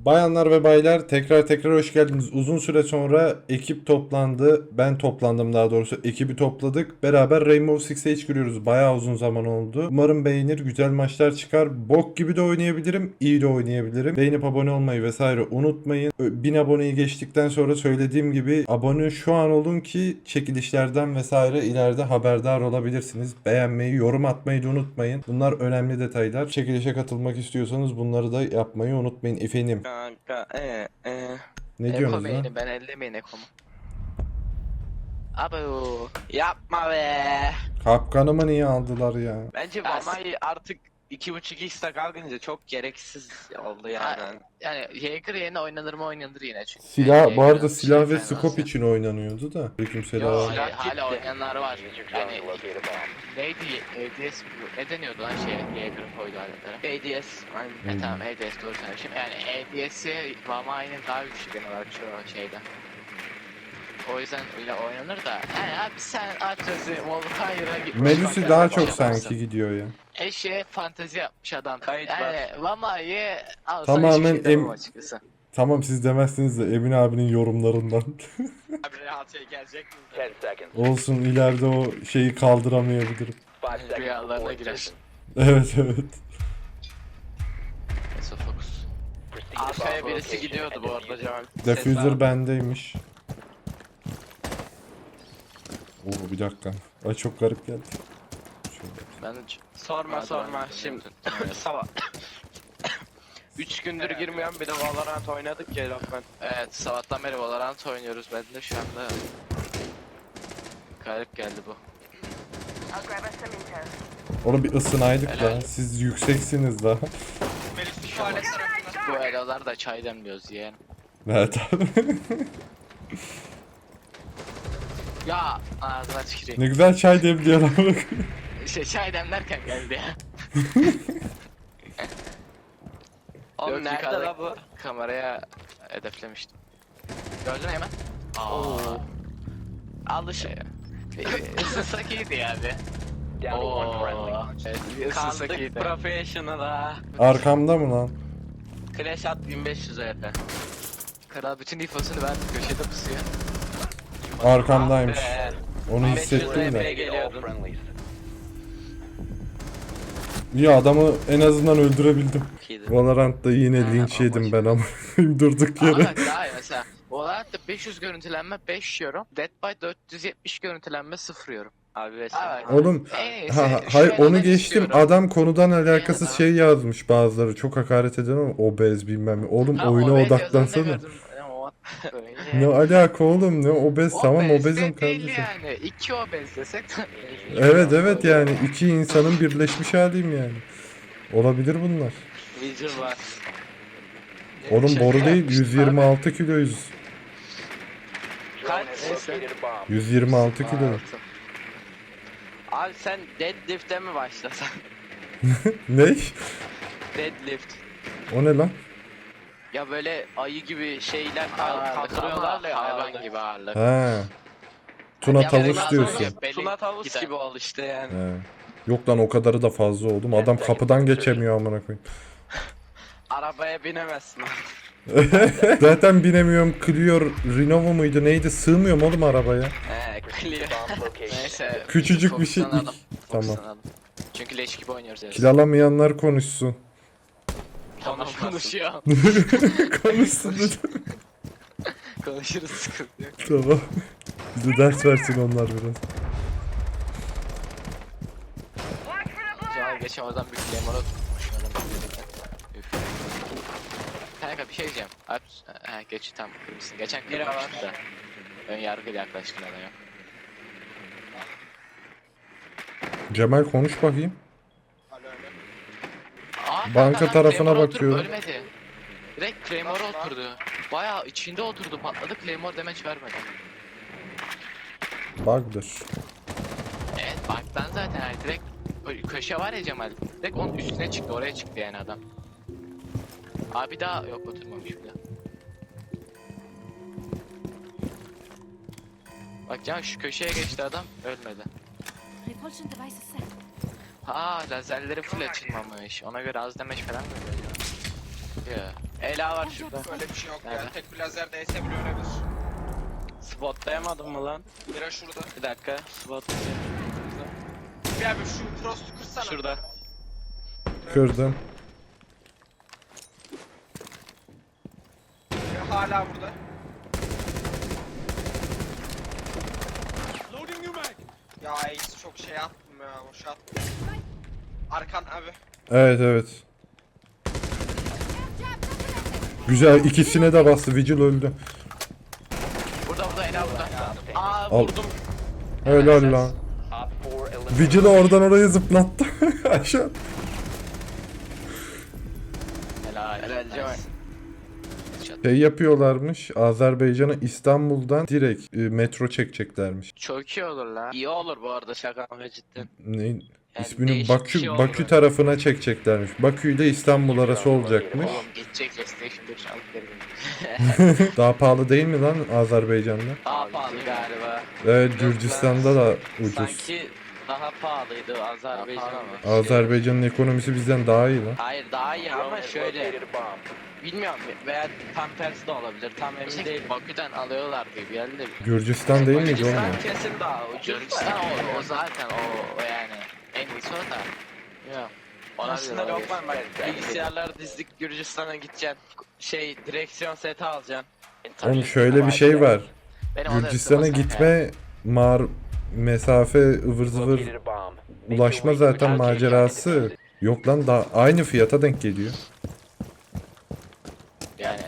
Bayanlar ve baylar tekrar hoş geldiniz. Uzun süre sonra ekip toplandı. Ben toplandım daha doğrusu. Ekibi topladık. Beraber Rainbow Six Siege giriyoruz. Bayağı uzun zaman oldu. Umarım beğenir. Güzel maçlar çıkar. Bok gibi de oynayabilirim. İyi de oynayabilirim. Beğenip abone olmayı vesaire unutmayın. 1000 aboneyi geçtikten sonra söylediğim gibi abone şu an olun ki çekilişlerden vesaire ileride haberdar olabilirsiniz. Beğenmeyi, yorum atmayı da unutmayın. Bunlar önemli detaylar. Çekilişe katılmak istiyorsanız bunları da yapmayı unutmayın efendim. Kanka Ne Eko diyorsunuz lan? main'im ben ellemeyin Eko'mu. Abo. yapma be. Kapkanımı niye aldılar ya? Bence Vama'yı artık 2.5x'te kalkınca çok gereksiz oldu yani. Yani Jaeger yerine oynanır mı oynanır yine çünkü. Silah, bu Jaeger'ın arada silah ve fena scope aslında. için oynanıyordu da. Aleykümselam. Yo, Silah hala gitti. oynayanlar var. Yani neydi ADS ne deniyordu lan Jaeger'ın koyduğu aletlere? ADS. Aynen. Tamam ADS doğru söylemişim. Yani ADS'i Vama'nın daha güçlü genel olarak şu şeyde. O yüzden öyle oynanır da. Yani abi sen Atraz'ı Volkan'a gitmiş. Melusi bak, daha yani çok yaparsın. sanki gidiyor ya. Eşeğe fantezi yapmış adam. Kayıt Yani Vama'yı alsan Tamamen hiçbir şey demem açıkçası. Tamam siz demezsiniz de Emin abinin yorumlarından. Abi rahat şey gelecek mi? Olsun ileride o şeyi kaldıramayabilirim. Rüyalarına girer. Evet. Neyse fokus. Arkaya birisi gidiyordu bu arada Cemal. Diffuser bendeymiş. Oo bir dakika. Ay çok garip geldi. Şöyle. Ben Sorma şimdi. Sabah. 3 gündür girmeyen bir de Valorant oynadık ya Lokman. Evet sabahtan beri Valorant oynuyoruz. Ben de şu anda garip geldi bu. Onu bir ısınaydık Helal. da. Siz yükseksiniz daha. Bu elalar da çay demliyoruz yeğen. Evet abi. Ya ağzına tüküreyim. Ne güzel çay demliyor ama. Çay demlerken geldi ya. Oğlum Yok, nerede yukarıda la bu? Kameraya hedeflemiştim. Gördün mü hemen? Oo. Alışık. Isınsak iyiydi ya abi. Oo. Evet, bir ısınsak Kaldık iyiydi. professional'a. Arkamda mı lan? Clash at 1500 EP. Kral bütün infosunu verdi köşede pusuyor. Arkamdaymış. Be. Onu 500 hissettim EP de. geliyordun. İyi adamı en azından öldürebildim. Valorant'ta yine Ha, linç o yedim maç. ben ama durduk yere. Ama daha iyi mesela. Olarak da 500 görüntülenme 5 yorum. Dead by 470 görüntülenme 0 yorum. Abi ve Evet. Oğlum En iyisi hayır şöyle onu ben geçtim. istiyorum. Adam konudan alakasız Yani, şey yazmış bazıları. Çok hakaret eden ama obez bilmem ne. Oğlum Ha, oyuna obez yazanı da odaklansana. gördüm. O- Ne alaka oğlum ne obez tamam Obez obezim de değil kardeşim. yani. 2 obez desek. Evet yani iki insanın birleşmiş haliyim yani. Olabilir bunlar. Vigil var. Oğlum Şaka boru değil yapmıştım 126 kiloyuz. Kaç? Neyse. 126 kilo. Abi sen deadlift'e mi başlasan? Ne? Deadlift. O ne lan? Ya böyle ayı gibi şeyler Ağırlık kaldırıyorlar ama ya hayvan havada. gibi ağırlık. Ha. Tuna Ya tavus biraz diyorsun. sonra- Belli Tuna tavus gider. gibi ol işte yani. He. Yok lan o kadarı da fazla oldum. Adam kapıdan geçemiyor amına koyayım. Arabaya binemezsin. Zaten binemiyorum. Clio Renova muydu neydi? Sığmıyorum oğlum arabaya. He clear. Neyse. Küçücük bir şey. fokuslanalım, Tamam. fokuslanalım. Çünkü leş gibi oynuyoruz ya. Kil alamayanlar konuşsun. Tamam konuşuyor. Konuşsun dedim. Konuşuruz sıkıntı yok. Tamam. Bize ders versin onlar biraz. Cemal geçen oradan bir Claymore'a tutmuş adam. Üf. Kanka bir şey diyeceğim. Alp, geç tam kırmışsın. Geçen Biri var. kırmıştın da. Ön yargıyla yaklaştın adaya. Cemal konuş bakayım. Aa, Banka kanka, tarafına Claymore'a oturup bakıyorum. Ölmedi. Direkt Claymore'a oturdu. Bayağı içinde oturdu patladı. Claymore damage vermedi. Bug'dır. Evet bug'dan zaten yani direkt köşe var ya Cemal. Direkt onun üstüne çıktı oraya çıktı yani adam. Abi daha yok oturmamış bile. Bak Cemal şu köşeye geçti adam ölmedi. Repulsion device is set. Ha lazerleri full açılmamış. Ona göre az damage falan mı veriyor? Ya. Ela var şurada. Öyle bir şey yok ya. Nerede? Tek bir lazer değse bile ölebilir. Spotlayamadım mı lan? Bira şurada. Bir dakika. Spot. Bir abi şu frost'u kırsana. Şurada. Kırdım. Biri hala burada. Ya Ace çok şey attım ya. Boş attım. Arkan abi. Evet evet. Güzel, ikisine de bastı. Vigil öldü. Burada Ela burada. Aa Al. vurdum. Helal lan. Vigil'i oradan oraya zıplattı. Aşağı. Helal. Helal Cemal. Şey yapıyorlarmış. Azerbaycan'a İstanbul'dan direkt metro çekeceklermiş. Çok iyi olur lan. İyi olur bu arada şaka ve cidden. Ne? Yani İsmini değişik bir Bakü şey olur. Bakü tarafına çekeceklermiş. Bakü ile İstanbul arası olacakmış. Oğlum gidecek PlayStation 5 alıp geri Daha pahalı değil mi lan Azerbaycan'da? Daha pahalı galiba. Evet, Gürcistan'da da ucuz. Sanki daha pahalıydı Azerbaycan ama. Azerbaycan'ın ekonomisi bizden daha iyi lan. Hayır daha iyi ama şöyle. Bilmiyorum veya tam tersi de olabilir. Tam emin değilim. Şey, Bakü'den alıyorlar gibi geldi. Gürcistan değil miydi oğlum? Gürcistan kesin daha ucuz. Gürcistan o zaten o yani en iyisi o da. Yok. Ona Aslında göre yok lan bak bilgisayarlar dizdik Gürcistan'a gideceksin. Şey direksiyon seti alacaksın. Oğlum şöyle bir şey var. Benim o da Gürcistan'a ısınmasın gitme mesafe ıvır zıvır ulaşma zaten macerası. Yok lan, daha aynı fiyata denk geliyor. yani.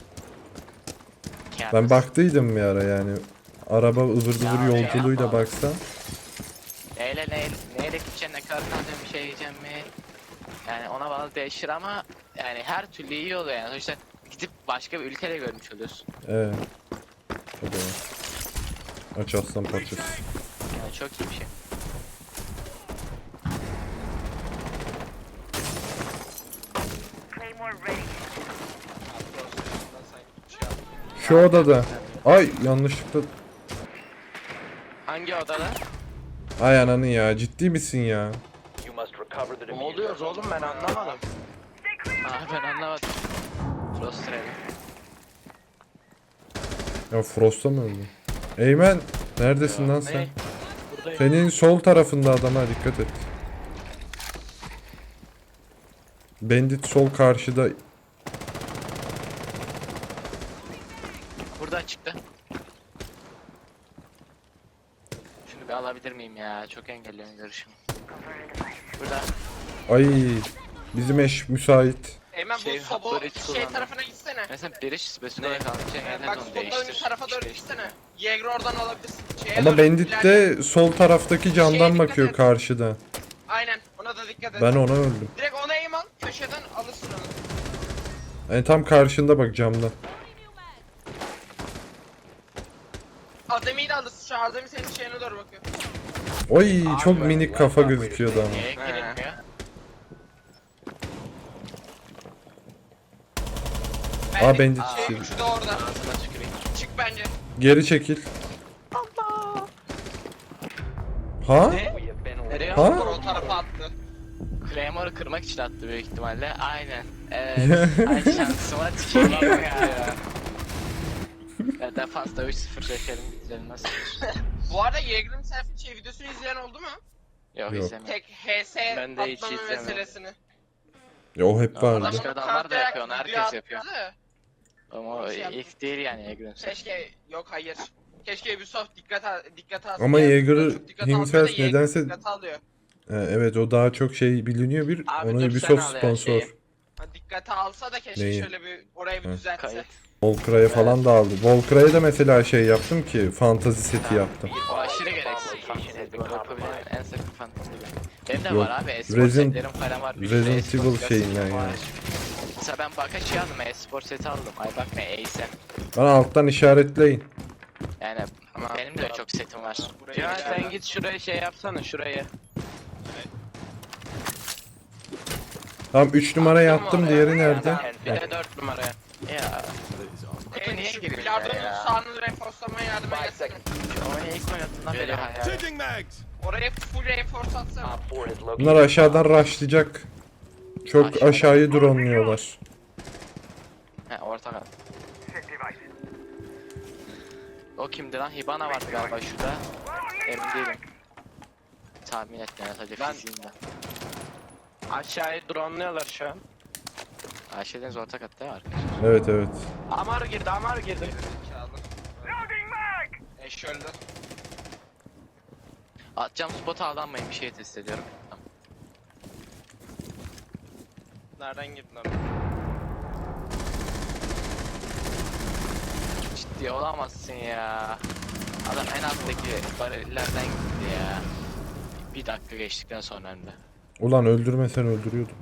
Ben baktıydım bir ara yani. Araba ıvır zıvır yolculuğuyla baksan. Neyle gideceksin, ne kadar kalacağım, bir şey yiyeceğim mi? Yani ona bağlı değişir ama yani her türlü iyi oluyor yani. Sonuçta gidip başka bir ülkede görmüş oluyorsun. Evet. O da var. Aç aslan parçası. Yani çok iyi bir şey. Frost'u üstünden sanki şey attım. Şu odada. Ay yanlışlıkla. Hangi odada? Ay ananı ya, ciddi misin ya? Ne oluyor oğlum ben anlamadım. Ben anlamadım. Frost Travel. Ya Frost'a mı öldü? Eymen neredesin lan sen? Ne? Buradayım. Senin sol tarafında adama dikkat et. Bandit sol karşıda. Burada çıktı. Şunu bir alabilir miyim ya? Çok engelliyorum görüşümü. Burada. Ay bizim eş müsait. Eymen Şey, bu sobo hapları hiç şey kullanmam. tarafına gitsene. Mesela biriş spesifik kalmış. Bak solda önü tarafa doğru gitsene. Jäger oradan alabilirsin. Şeye Ama doğru, Bandit ileride. de sol taraftaki camdan Şeye dikkat bakıyor et. karşıda. Aynen ona da dikkat et. Ben ona öldüm. Direkt ona aim al. Köşeden alırsın onu. Yani tam karşında bak camda. Adem'i de alırsın. Şu Adem'i senin şeyine doğru bakıyor. Oy çok minik kafa gözüküyordu ama. Niye girilmiyor? Aa, Bandit Şey, şey. üçü de orada. Ağzına tüküreyim. Çık bence. Geri çekil. Ha? Nereye? Ha? O tarafa attı. Claymore'u kırmak için attı büyük ihtimalle. Aynen. Evet. Ay şansıma tüküreyim ya. Ya defansta 3-0 çekelim bitirelim nasıl? Bu arada Jäger'in selfie şey videosunu izleyen oldu mu? Yok Yok. izlemiyorum. Tek HS Ben de hiç atlama izlemedim. meselesini. Ya o hep vardı. Başka adamlar da yapıyor, onu herkes Video yapıyor. attı. Ama o ilk değil yani Egrun. Keşke yok hayır. Keşke Ubisoft dikkat alsın. Ama Yani Jäger çok dikkat almıyor da himself Jäger nedense- dikkat alıyor. Evet, o daha çok şey biliniyor bir. Abi Ona dur, Ubisoft sen al ya sponsor. şeyi. Ha, dikkate alsa da keşke Neyi? şöyle bir orayı bir Ha. düzeltse. Kayıt. Volkra'ya falan da aldı. Volkra'ya da mesela şey yaptım ki fantazi seti yaptım. O aşırı gereksiz fantezi. Böyle yapabilen en sakın fantezi. Benim de Yok. var abi. E-spor Resident- setlerim falan var. Resident E-spor Evil setlerim şeyinden var. yani. Mesela ben Bakashi aldım. E-spor seti aldım. Ay bak ne Ace'e. Bana alttan işaretleyin. Yani Tamam. benim de çok setim var. Cihan sen git şuraya şey yapsana şuraya. Tamam 3 numaraya Attım attım, oraya. diğeri nerede? Bir de 4 numaraya. Ya. Kutu niye Şu girmiyor bilardonun ya? sağını reforcelamaya yardım etsene. Oyunu ilk oynadığımdan beri hayal. Oraya full reforce atsana. Bunlar aşağıdan rushlayacak. Çok aşağıyı dronluyorlar. orta kat. O kimdi lan? Hibana vardı galiba şurada. Emin değilim. Tahmin etmeye sadece Ben- fiziğinden. Aşağıya drone'luyorlar şu an. Ayşe Deniz orta katta ya arkadaşlar. Evet evet. Amar girdi, Amar girdi. Zekalı. Eş öldü. Atacağım spota aldanmayın, bir şey test ediyorum. Tamam. Nereden girdin lan? Ciddi olamazsın ya. Adam en alttaki barillerden gitti ya. Bir dakika geçtikten sonra hem de. Ulan öldürmesen öldürüyordu.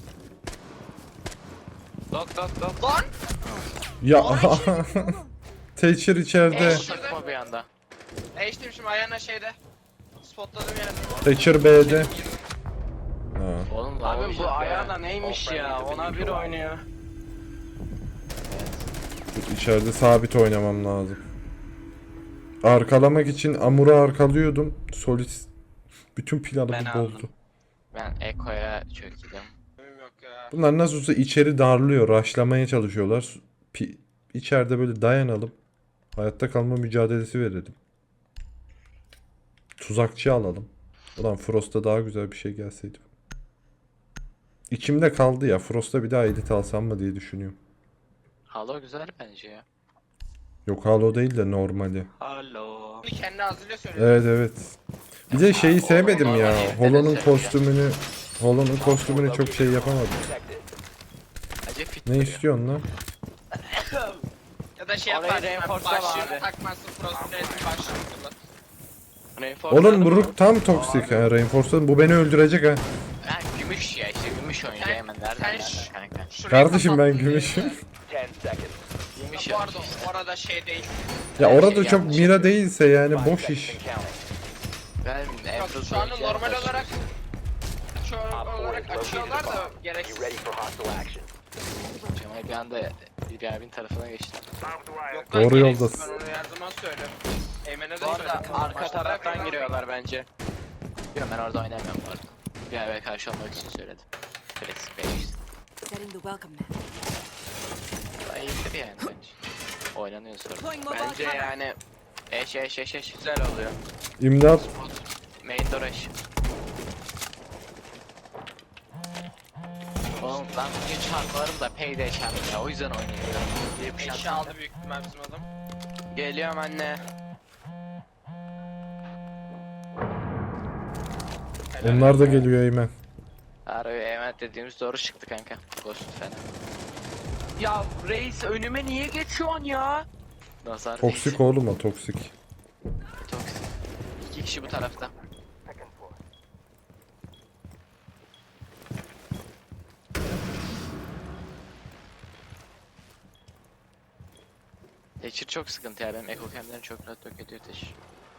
Dok dok dok. Lan! Ya Thatcher içeride. Bu takma bir anda. Eş demişim ayağına şeyde. Spotladığım yerde. Thatcher B'de. Ha. Oğlum Abi bu ayağına neymiş ya? Ona bir oynuyor. İçeride sabit oynamam lazım. Arkalamak için Amur'u arkalıyordum. Solis bütün planı Ben bir aldım. bozdu. Ben Eko'ya çöktüm. Benim yok ya. Bunlar nasıl olsa içeri darlıyor. Rushlamaya çalışıyorlar. İçeride böyle dayanalım. Hayatta kalma mücadelesi verelim. Tuzakçı alalım. Ulan Frost'a daha güzel bir şey gelseydi. İçimde kaldı ya. Frost'a bir daha edit alsam mı diye düşünüyorum. Halo güzel bence ya. Yok Halo değil de normali. Alo. Bunu kendi ağzıyla söylüyor. Evet evet. Bir de şeyi sevmedim ya. normal Holo'nun herifleri kostümünü çok şey yapamadım. Bence fit Ne duruyor. istiyorsun lan? Ya da şey Orayı yaparsın. reinforce'la Başlığını abi. takmazsın. Frost'un başlığını kullan. Reinforce'ladım Oğlum mı? Brook tam toksik ha. Reinforce'ladım. Bu beni öldürecek ha. Ha gümüş ya, işte gümüş oyuncu Sen- hemen nereden sen nereden kanka. Şurayı Kardeşim ben kapattın gümüşüm. diye. Gümüş Bu oyuncu arada işte. orada şey değil. Ya Her orada şey çok yanlış mira yapıyor. değilse yani boş iş. Ben Yok Emruz şu anda oyuncuya normal karşı- olarak açıyorlar da gereksiz. Cemal bir anda bir abinin tarafına geçti. Yok lan, Doğru gereksiz. yoldasın. Ben onu her zaman söylerim. Eymen'e de Bu arada söyledim. arka Başta taraftan bırakın. giriyorlar bence. Bilmiyorum, ben orada oynamıyorum bu arada. Bir abine karşı olmak için söyledim. Klasik benim işte. Setting the welcome mat. Daha iyidir yani bence. Oynanıyor sonra. Deploying mobile Bence cover. yani Eş. güzel oluyor. İmdat. Main door eş. Oğlum ben bugün çarpılarım da payday çarptım ya, o yüzden oynuyorum. Diye bir şey Eşya aldı büyük ihtimal bizim adam. Geliyorum anne. Onlar da geliyor Eymen. Harbi emanet dediğimiz doğru çıktı kanka. Ghost falan. Ya reis önüme niye geçiyorsun ya? Nazar Toksik oğlum o toksik. Toksik. İki kişi bu tarafta. Thatcher çok sıkıntı ya, benim Echo Cam'lerim çok rahat yok ediyor Thatcher.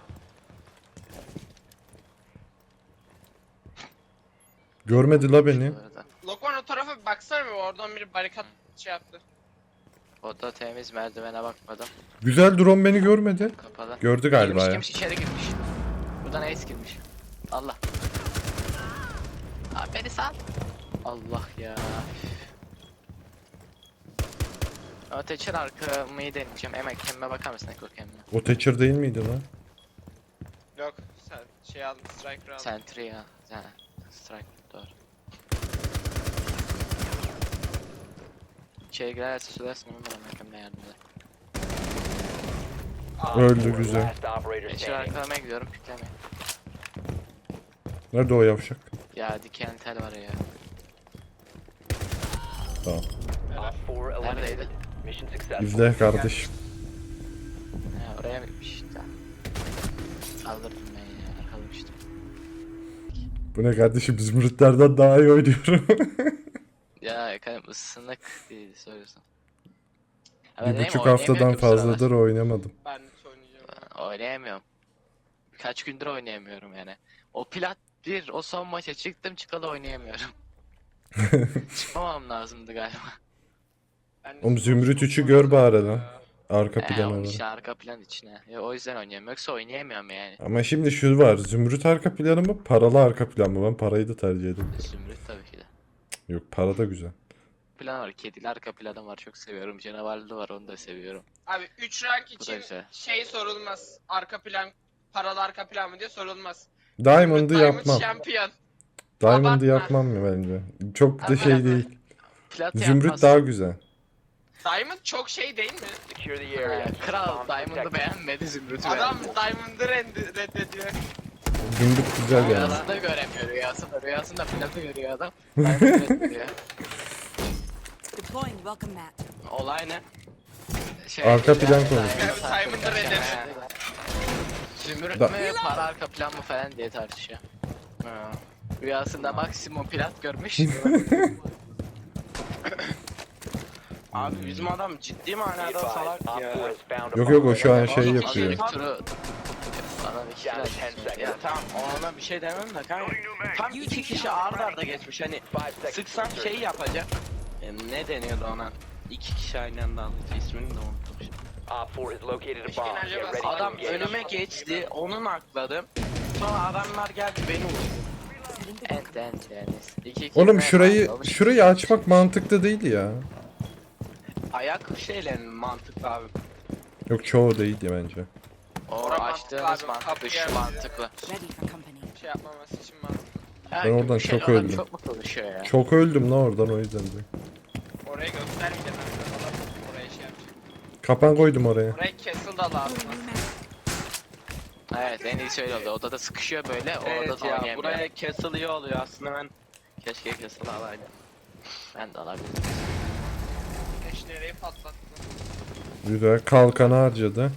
Görmedi la beni. Bu arada. Lokman o tarafa bir baksana bir, oradan biri barikat şey yaptı. O da temiz, merdivene bakmadım. Güzel drone beni görmedi. Kapalı. Gördü galiba ya. Girmiş içeri girmiş. Buradan ace girmiş. Allah. Abi beni sal. Allah ya. Ama Thatcher arkamı deneyeceğim. Emek kendime bakar mısın Echo Cam'le? O Thatcher değil miydi lan? Yok sen şey aldın, striker aldın. Sentry ya. Ha, strike doğru. İçeri girerse söylersin onu bana Echo'mle yardım eder. Öldü güzel. Thatcher arkalamaya gidiyorum, piklemeye. Nerede o yavşak? Ya diken tel var ya. Tamam. Neredeydi? İzle kardeşim. Ha, oraya mı gitmiş işte. Saldırdım ben ya, arkalamıştım. Bu ne kardeşim, Zümrütlerden daha iyi oynuyorum. Ya efendim ısınık değil söylüyorsun. Bir buçuk haftadan fazladır oynamadım. Ben de oynayacağım. Oynayamıyorum. Kaç gündür oynayamıyorum yani. O plat bir, o son maça çıktım çıkalı oynayamıyorum. Çıkmamam lazımdı galiba. Ben de Oğlum Zümrüt çok 3'ü fazla gör bari lan. ya. Arka plan Onun olarak. işte arka plan içine. Ya, o yüzden oynayamıyorum. Yoksa oynayamıyorum yani. Ama şimdi şu var. Zümrüt arka planı mı? Paralı arka plan mı? Ben parayı da tercih ederim. Zümrüt tabii ki de. Yok para da güzel. plan var. Kedili arka planı var. Çok seviyorum. Canavarlı var. Onu da seviyorum. Abi 3 rank Bu da için güzel. şey sorulmaz. Arka plan, paralı arka plan mı diye sorulmaz. Diamond'ı Diamond yapmam. şampiyon. Diamond'ı Abartma. yapmam mı bence? Çok da Ama şey yapma. değil. Plat Zümrüt yapmaz. daha güzel. Diamond çok şey değil mi? Kral Diamond'ı beğenmedi Zümrüt'ü Adam beğendi. Diamond'ı reddediyor. Zümrüt güzel yani. Rüyasında göremiyor rüyasında. Rüyasında platı görüyor adam. Diamond'ı reddediyor. Deploying welcome mat. Olay ne? Arka plan konusu. Diamond'ı reddediyor. Zümrüt Da- mü para arka plan mı falan diye tartışıyor. Ha. Rüyasında maksimum plat görmüş. Abi bizim adam ciddi manada salak ya. Yok yok o şu an şey Oğlum, yapıyor. ilk turu falan iki plat. Ya tamam ona bir şey demem de kanka. Tam iki kişi arda arda geçmiş hani sıksan şey yapacak. Ne deniyordu ona? İki kişi aynı anda aldı. İsmini de unuttum şimdi. Adam önüme geçti, onu nakladım. Sonra adamlar geldi beni vurdu. Ent yani. İki Oğlum kelime var, şurayı açmak mantıklı değil ya. Ayak şeyle mantıklı abi. Yok çoğu değil ya bence. O Orası açtığınız mantıklı abi, mantıklı, kapı şu geldi. mantıklı. Ready for company. Şey yapmaması için mantıklı. Ben oradan Bu şey çok adam öldüm. Çok mu konuşuyor ya? Çok öldüm lan oradan o yüzden de. Orayı göstermeyeceğim ben. Adam oraya şey yapacak. Kapan koydum oraya. Oraya castle da lazım. Evet en iyisi öyle oldu. Odada sıkışıyor böyle. O Evet odada ya oynayamıyor. buraya castle iyi oluyor aslında ben keşke castle alaydım. Ben de alabilirim. Eş nereyi patlattı? Güzel kalkanı harcadı.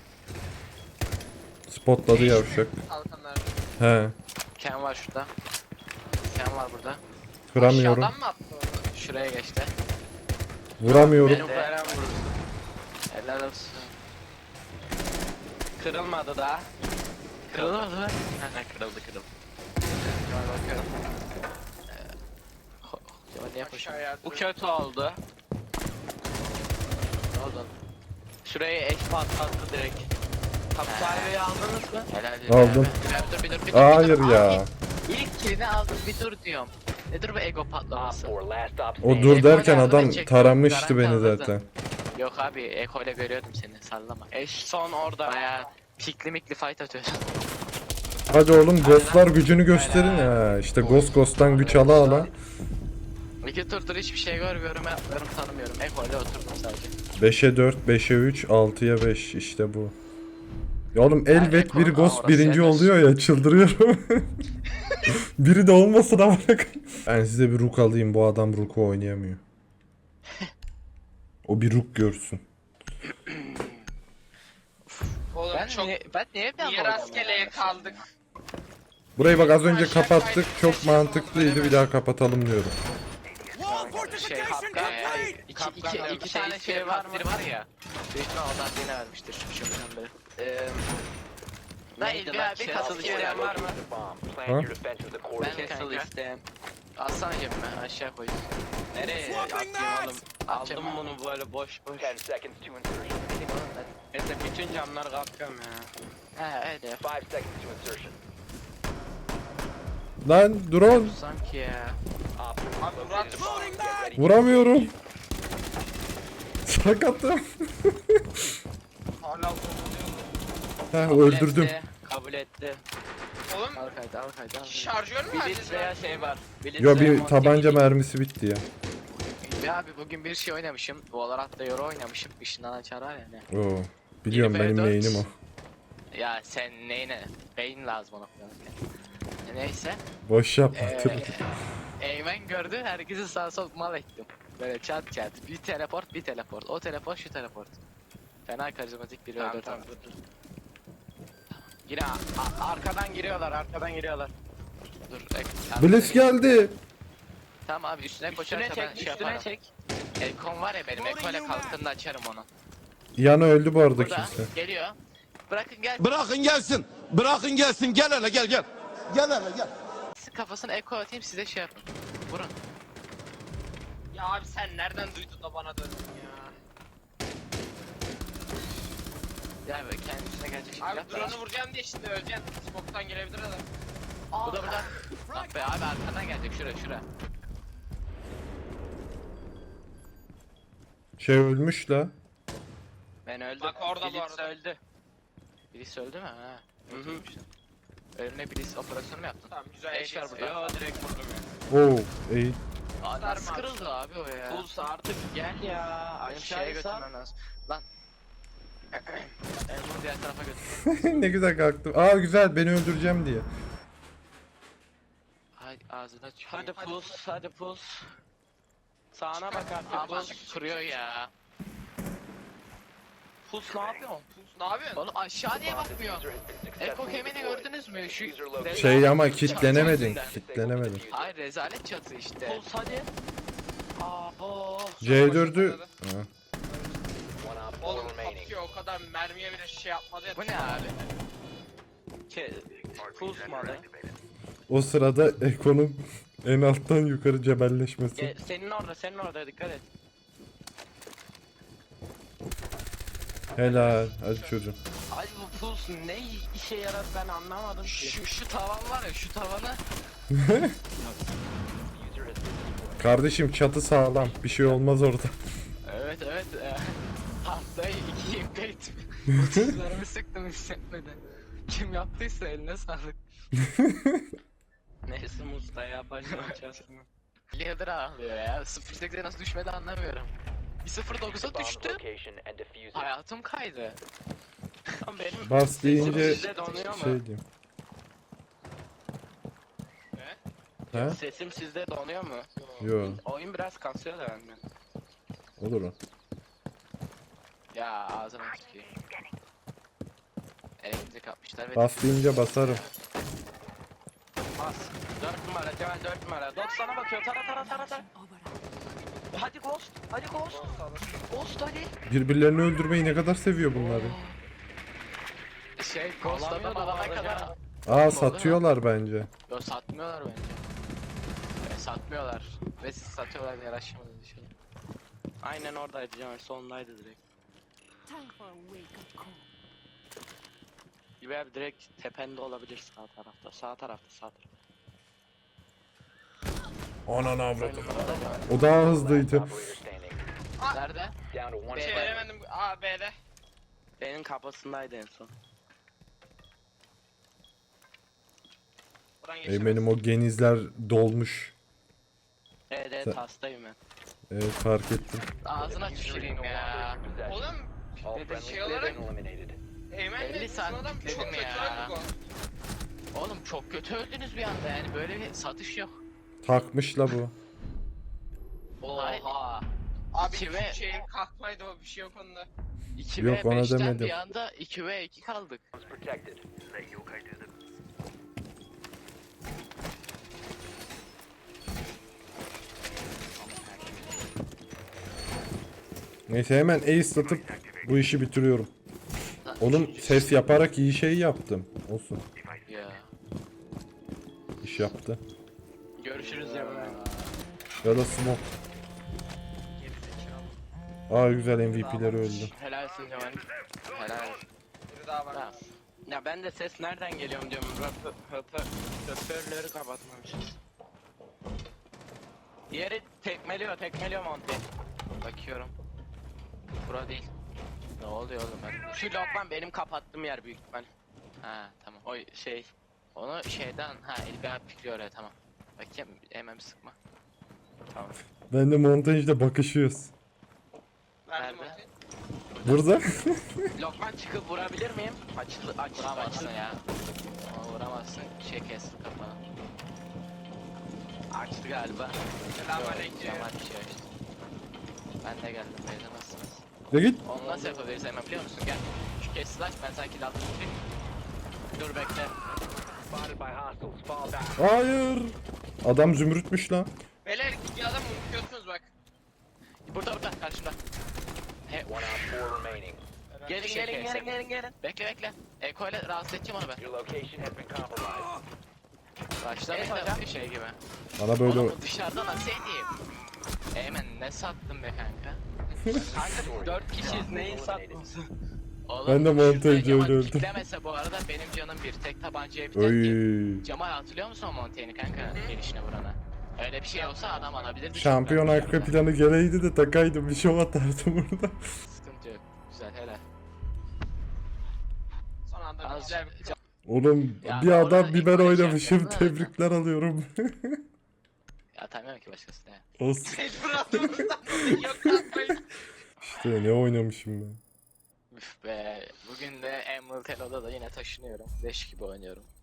Spotladı yavşak. Kalkanlar. He. Ken var şurada. Ken var burada. Vuramıyorum. Aşağıdan mı attı onu? Şuraya geçti. Vuramıyorum. Benim veren vurdu. Helal olsun. Kırılmadı daha. Kırıldı mı? Kırıldı. Hemen bakıyorum. Ne yapmışım? Aşağıya. Bu kötü oldu. Ne oldu? Şurayı eş patlattı direkt. Hapishaneyi aldınız mı? Helal Aldım. Bir dur. Hayır Abi, ya. İlk kilini aldım bir dur diyorum. Nedir bu ego patlaması? O dur derken adam taramıştı beni zaten. Yok abi Eko ile görüyordum seni sallama. Eş son orada. Baya pikli mikli fight atıyorsun. Hadi oğlum ghostlar gücünü gösterin ya. İşte ghost'tan güç ala ala. İki turdur hiçbir şey görmüyorum, yapmıyorum, tanımıyorum. Eko ile oturdum sadece. 5'e 4, 5'e 3, 6'ya 5 işte bu. Ya oğlum elbet Eko- bir ghost orası birinci yeter. oluyor ya çıldırıyorum. Biri de olmasın ama bak. Ben size bir rook alayım bu adam rook'u oynayamıyor. O bir rook görsün. Oğlum çok Ben niye bir niye rastgeleye kaldık? Burayı bak az önce kapattık çok mantıklıydı bir daha kapatalım diyorum. Şey, iki tane şey var ya. Büyük ihtimal ondan birine vermiştir şu şundan beri. Ben Neydi İlbi lan? abi Castle kasıl isteyen var mı? Ha? Ben Castle kanka. isteyen. Alsana cebime aşağı koy. Nereye atayım oğlum? Aldım bunu böyle boş boş. Neyse bütün camları kapıyorum ya. He öyle yap. Lan drone Sanki ya. Abi Murat vuramıyorum. Sakatım. hala Heh Kabul öldürdüm. etti, kabul etti. Oğlum Al kaydı al kaydı. şarjör mü Bir verdiniz litreye ya? şey var. Bir Yo litreye bir tabanca multi- mermisi bitti ya. Ya abi bugün bir şey oynamışım. Valorant'ta Euro oynamışım. Işından açar var yani. Oo. Biliyorum benim 24. main'im o. Ya sen neyine? Beyin lazım ona falan. Neyse. Boş yapma. Eymen gördü. Herkesi sağ sol mal ettim. Böyle çat çat. Bir teleport. O teleport şu teleport. Fena karizmatik biri Tamam öldürdü. tamam dur. Yine arkadan giriyorlar. Dur. Bliss geldi. Tamam abi üstüne Üstüne koşarsa ben çek, şey üstüne yaparım. çek. Ekon var ya benim. Eko ile kalktığında açarım onu. Yana öldü bu arada Burada kimse. geliyor. Bırakın gel. Bırakın gelsin. Bırakın gelsin. Gel hele gel gel. Gel hele gel. Kafasına Eko atayım size şey yapın. Vurun. Ya abi sen nereden duydun da bana döndün ya? Ya böyle kendisine gelecek şimdi. Abi yap. drone'u vuracağım diye şimdi öleceksin. Smoke'tan gelebilir adam. Bu da burada. Bak be abi arkadan gelecek şura. Şey ölmüş la. Ben öldüm. Bak orada bu Blitz arada. öldü. Birisi öldü mü? Ha. Hı hı. Ölümüne birisi operasyonu mu yaptın? Tamam güzel Eş var eşit. burada. Yo direkt vurdum ya. Oo, iyi. Aa, nasıl Sarma. kırıldı abi o ya? Pulse artık gel ya. Benim şeye Aşağıya sar. götürmem lazım. Lan. Ben bunu diğer tarafa götür. Ne güzel kalktım. Aa güzel, beni öldüreceğim diye. Hay ağzına çıkıyor. Hadi pulse, hadi pulse. Sağına bak artık Aman pulse. kırıyor ya. Pulse ne yapıyorsun? Ne yapıyorsun? Oğlum aşağı niye bakmıyor? Eko kemini gördünüz mü? Şu Şey ama kitlenemedin. Kitlenemedin. Hayır rezalet çatı işte. Pulse hadi. Abo. C4'ü... Ha. Oğlum atıyor o kadar mermiye bile şey yapmadı ya. Bu ne abi? Pulse mu alayım? O sırada Eko'nun en alttan yukarı cebelleşmesi. Senin orada dikkat et. Helal. Hadi çocuğum. Ay bu pulse ne işe yarar ben anlamadım ki. Şu tavan var ya şu tavanı. Kardeşim çatı sağlam. Bir şey olmaz orada. Evet evet. Haftayı 2 impe ettim. 30'larımı sıktım hissetmeden. Kim yaptıysa eline sağlık. Neyse Musta ya başlayacağız. Leader ağlıyor ya. 0.8'e nasıl düşmedi anlamıyorum. Bir 0.9'a düştü. Hayatım kaydı. Lan benim Bas deyince sizde donuyor mu? şey diyeyim. Ha? Sesim sizde donuyor mu? Yo. Oyun biraz kasıyor da benden. Olur o. Ya ağzına tüküreyim. Elektrik atmışlar ve Bas deyince basarım. Bas. 4 numara Cemal 4 numara. Dot sana bakıyor tara. Over. Hadi Ghost. Hadi Ghost. Ghost hadi. Birbirlerini öldürmeyi ne kadar seviyor bunları. şey Ghost adam Alamıyordu alana bu arada kadar. Aa satıyorlar bence. Yo satmıyorlar bence. Satmıyorlar. Ve siz satıyorlar diye araştırmadınız inşallah. Aynen oradaydı Cemal sondaydı direkt. Time for a wake up call. Gibi abi direkt tepende olabilir sağ tarafta. Sağ tarafta. Ananı avradım. O daha hızlıydı. Nerede? Şey veremedim. Aa B'de. Benim kafasındaydı en son. Buradan geçemez. Benim o genizler dolmuş. Evet Sen- hastayım ben. Evet fark ettim. Ağzına tüküreyim ya. Oğlum dedi şey olarak Eymen'le 50 bizim saat adam dedim çok kötü ya. öldü bu. Oğlum çok kötü öldünüz bir anda yani böyle bir satış yok. Takmış la bu. Oha. Abi İki şu ve- şeyin kalkmaydı o bir şey yok onda. 2 Yok, ve ona 5'ten demedim. bir anda 2 ve 2 kaldık. Neyse hemen ace atıp bu işi bitiriyorum. Oğlum ses yaparak iyi şey yaptım. Olsun. Ya. İş yaptı. Görüşürüz ya. Ya da smoke. Aa güzel MVP'leri öldü. Helalsin Cemal. Helal. Biri daha var. Tamam. Ya ben de ses nereden geliyorum diyorum. Hoparlörü kapatmamışız. Diğeri tekmeliyor Monty. Bakıyorum. Bura değil. Ne oluyor oğlum ben? Şu lokman benim kapattığım yer büyük ihtimal. Ha tamam. O şey. Onu şeyden İlbi abi pikliyor oraya tamam. Bakayım hemen sıkma. Tamam. Ben de montajda bakışıyoruz. Verdim Nerede? ortayı. Burada. Lokman çıkıp vurabilir miyim? Açıldı. Vuramazsın ya. Ama vuramazsın. Şey kesti kafanı. Açtı galiba. Selamünaleyküm. Cemal bir şey açtı. Ben de geldim. Beyler nasılsınız? Ya git. Onu nasıl yapabiliriz hemen biliyor musun? Gel. Şu kes slash ben sanki dalga tutayım. Dur bekle. Hayır. Adam zümrütmüş lan. Beyler bir adam unutuyorsunuz bak. Burada karşımda. He, Gelin. bekle. Eko ile rahatsız edeceğim onu ben. Başlamayın da şey gibi. Bana böyle Oğlum dışarıda nasıl edeyim? Eymen ne sattın be kanka? Kanka 4 kişiyiz neyi sattın? Oğlum, Ben de montajcı şurada Cemal öyle öldüm. piklemese bu arada benim canım bir tek tabancaya biter ki. Oy. Cemal hatırlıyor musun o Montaigne'i kanka gelişine vurana? Öyle bir şey olsa adam alabilirdi. Şampiyon çünkü. arka planı geleydi de takaydım bir şov atardım burada. Sıkıntı yok. Güzel helal. Son anda bir Az şey Oğlum Ya bir ben adam orada bir ilk ben maçı oynamışım. yaptım da. Tebrikler alıyorum. Ya tanımıyorum ki başkasını. Olsun. Fırat'ımızdan yok atmayın. İşte ne oynamışım ben. Üf be. Bugün de Emerald Hello'da da yine taşınıyorum. Leş gibi oynuyorum.